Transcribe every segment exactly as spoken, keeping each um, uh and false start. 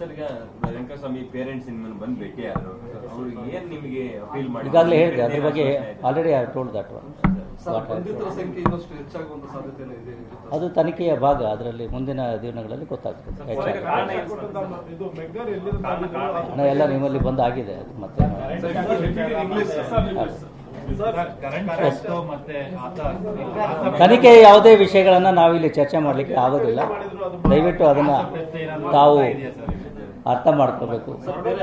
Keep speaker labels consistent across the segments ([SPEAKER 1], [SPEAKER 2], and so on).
[SPEAKER 1] Sir, ಈಗ Venkataswamy parents ನಿಮ್ಮನ್ನು ಬಂದು ಭೇಟಿ ಆದರು, ಅವ್ರಿಗೆ ಏನು ನಿಮಗೆ ಅಪೀಲ್ ಮಾಡಿ?
[SPEAKER 2] ಈಗಾಗಲೇ ಹೇಳಿದೆ ಅದ್ರ ಬಗ್ಗೆ already I told that one. ಅದು ತನಿಖೆಯ ಭಾಗ, ಅದರಲ್ಲಿ ಮುಂದಿನ ದಿನಗಳಲ್ಲಿ ಗೊತ್ತಾಗ್ತದೆ ಹೆಚ್ಚಾಗಿ. ಹಣ ಎಲ್ಲ ನಿಮ್ಮಲ್ಲಿ ಬಂದ್ ಆಗಿದೆ, ಅದು ಮತ್ತೆ ತನಿಖೆ ಯಾವುದೇ ವಿಷಯಗಳನ್ನ ನಾವಿಲ್ಲಿ ಚರ್ಚೆ ಮಾಡಲಿಕ್ಕೆ ಆಗೋದಿಲ್ಲ. ದಯವಿಟ್ಟು ಅದನ್ನ ತಾವು ಅರ್ಥ ಮಾಡ್ಕೋಬೇಕು.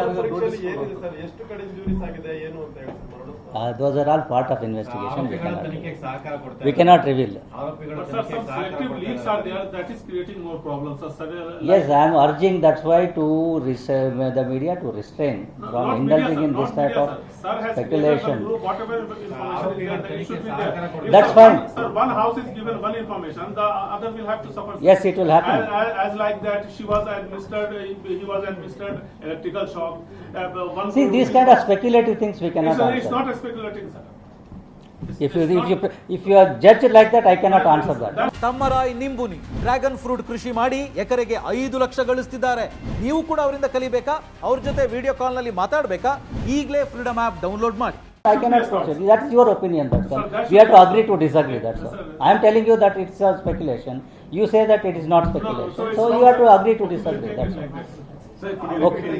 [SPEAKER 2] Uh, those are all part of investigation. We cannot, we cannot reveal.
[SPEAKER 3] But sir, some selective leaks are there that is creating more problems. Sir,
[SPEAKER 2] yes, I am urging that's why to res- the media to restrain
[SPEAKER 3] no,
[SPEAKER 2] from
[SPEAKER 3] not
[SPEAKER 2] indulging
[SPEAKER 3] media,
[SPEAKER 2] in
[SPEAKER 3] sir,
[SPEAKER 2] this
[SPEAKER 3] not
[SPEAKER 2] type
[SPEAKER 3] media,
[SPEAKER 2] of
[SPEAKER 3] sir. Sir has
[SPEAKER 2] speculation.
[SPEAKER 3] Group, whatever information is there, that it should be there. If
[SPEAKER 2] That's
[SPEAKER 3] sir,
[SPEAKER 2] fine.
[SPEAKER 3] One, sir, one house is given one information, the other will have to suffer.
[SPEAKER 2] Yes, it will happen.
[SPEAKER 3] As, as, as like that, she was administered, he was administered electrical shock. Uh, one
[SPEAKER 2] See, these kind of speculative things we cannot
[SPEAKER 3] it's,
[SPEAKER 2] answer.
[SPEAKER 3] it's not a speculating, sir.
[SPEAKER 2] If you if you if you are judged like that, I cannot answer that.
[SPEAKER 4] ತಮ್ಮರಾಯ್ ನಿಂಬುನಿ dragon fruit ಕೃಷಿ ಮಾಡಿ ಎಕರೆಗೆ ಐದು ಲಕ್ಷ ಗಳಿಸ್ತಿದ್ದಾರೆ. ನೀವು ಕೂಡ ಅವರಿಂದ ಕಲಿಬೇಕಾ? ಅವ್ರ ಜೊತೆ ವಿಡಿಯೋ ಕಾಲ್ ನಲ್ಲಿ ಮಾತಾಡಬೇಕಾ? ಈಗಲೇ ಫ್ರೀಡಮ್ ಆಪ್ ಡೌನ್ಲೋಡ್ ಮಾಡಿ.
[SPEAKER 2] I cannot question. That's your opinion. That's all. We have to agree to disagree. That's all. I am telling you that it's a speculation. You say that it is not speculation. So you have to agree to disagree. That's all. Okay.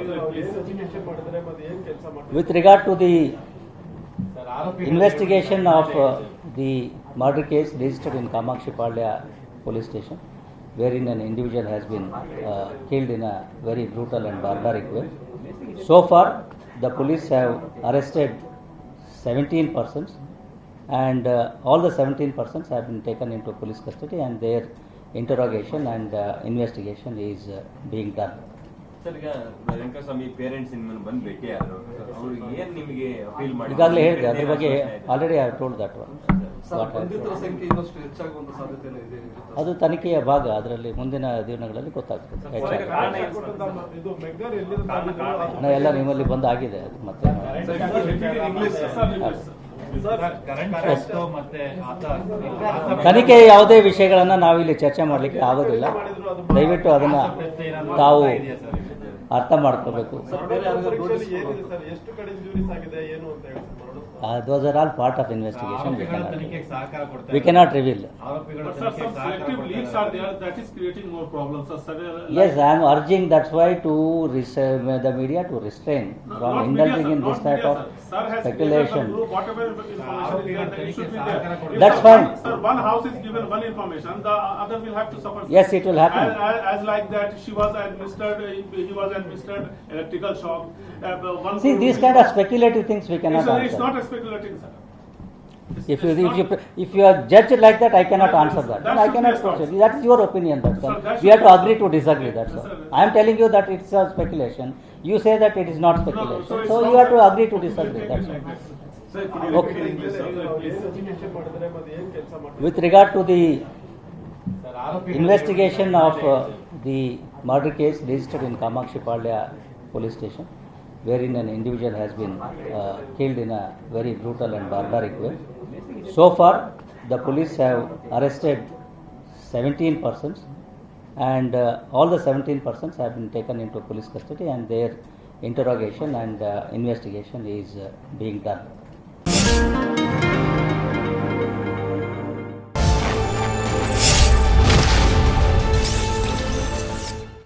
[SPEAKER 2] With regard to the investigation of uh, the murder case registered in Kamakshi Palya police station, wherein an individual has been uh, killed in a very brutal and barbaric way. So far, the police have arrested seventeen persons, and uh, all the seventeen persons have been taken into police custody, and their interrogation and uh, investigation is uh, being done.
[SPEAKER 1] Sir, ಈಗ Venkataswamy parents ನಿಮ್ಮನ್ನು ಬಂದು ಭೇಟಿ ಆದರು, ಅವ್ರಿಗೆ ಏನು ನಿಮಗೆ appeal ಮಾಡಿ?
[SPEAKER 2] ಈಗಾಗಲೇ ಹೇಳಿದೆ ಅದ್ರ ಬಗ್ಗೆ already I told that one. ಅದು ತನಿಖೆಯ ಭಾಗ, ಅದರಲ್ಲಿ ಮುಂದಿನ ದಿನಗಳಲ್ಲಿ ಗೊತ್ತಾಗ್ತದೆ ಹೆಚ್ಚಾಗಿ. ಹಣ ಎಲ್ಲ ನಿಮ್ಮಲ್ಲಿ ಬಂದ್ ಆಗಿದೆ, ಅದು ಮತ್ತೆ ತನಿಖೆ ಯಾವುದೇ ವಿಷಯಗಳನ್ನ ನಾವಿಲ್ಲಿ ಚರ್ಚೆ ಮಾಡಲಿಕ್ಕೆ ಆಗೋದಿಲ್ಲ. ದಯವಿಟ್ಟು ಅದನ್ನ ತಾವು ಅರ್ಥ ಮಾಡ್ಕೋಬೇಕು. Uh, those are all part of investigation. We cannot, we cannot reveal.
[SPEAKER 3] But sir, some selective leaks are there that is creating more problems. Sir,
[SPEAKER 2] Yes, I am urging that's why to res- the media to restrain from
[SPEAKER 3] not
[SPEAKER 2] indulging
[SPEAKER 3] media,
[SPEAKER 2] in
[SPEAKER 3] sir,
[SPEAKER 2] this
[SPEAKER 3] not
[SPEAKER 2] type
[SPEAKER 3] media,
[SPEAKER 2] of
[SPEAKER 3] sir. Sir has
[SPEAKER 2] speculation.
[SPEAKER 3] Group, whatever information is there, that it should be there. If
[SPEAKER 2] That's
[SPEAKER 3] sir,
[SPEAKER 2] fine.
[SPEAKER 3] One, sir, one house is given one information, the other will have to suffer.
[SPEAKER 2] Yes, it will happen.
[SPEAKER 3] As, as, as like that, she was administered, he was administered electrical shock. Uh, one
[SPEAKER 2] See, these kind of speculative things we cannot
[SPEAKER 3] it's, it's
[SPEAKER 2] answer.
[SPEAKER 3] not a speculating, sir. It's,
[SPEAKER 2] If you
[SPEAKER 3] it's
[SPEAKER 2] if
[SPEAKER 3] not,
[SPEAKER 2] you if you are judged like that, I cannot
[SPEAKER 3] That
[SPEAKER 2] answer
[SPEAKER 3] should-
[SPEAKER 2] that.
[SPEAKER 3] that
[SPEAKER 2] I
[SPEAKER 3] should
[SPEAKER 2] cannot
[SPEAKER 3] be a
[SPEAKER 2] question. That's your opinion. That's all.
[SPEAKER 3] Sir, that
[SPEAKER 2] We have
[SPEAKER 3] should
[SPEAKER 2] to
[SPEAKER 3] be-
[SPEAKER 2] agree to disagree. That's all.
[SPEAKER 3] Sir,
[SPEAKER 2] I am telling you that it's a speculation. You say that it is not
[SPEAKER 3] no,
[SPEAKER 2] speculation.
[SPEAKER 3] so it's
[SPEAKER 2] So
[SPEAKER 3] not
[SPEAKER 2] you have to
[SPEAKER 3] sir.
[SPEAKER 2] agree to disagree. That's all.
[SPEAKER 1] Sir, could you
[SPEAKER 2] Okay.
[SPEAKER 1] repeat in English, sir, please?
[SPEAKER 2] With regard to the investigation of uh, the murder case registered in Kamakshi Palya police station, wherein an individual has been uh, killed in a very brutal and barbaric way. So far, the police have arrested seventeen persons, and uh, all the seventeen persons have been taken into police custody, and their interrogation and uh, investigation is uh, being done.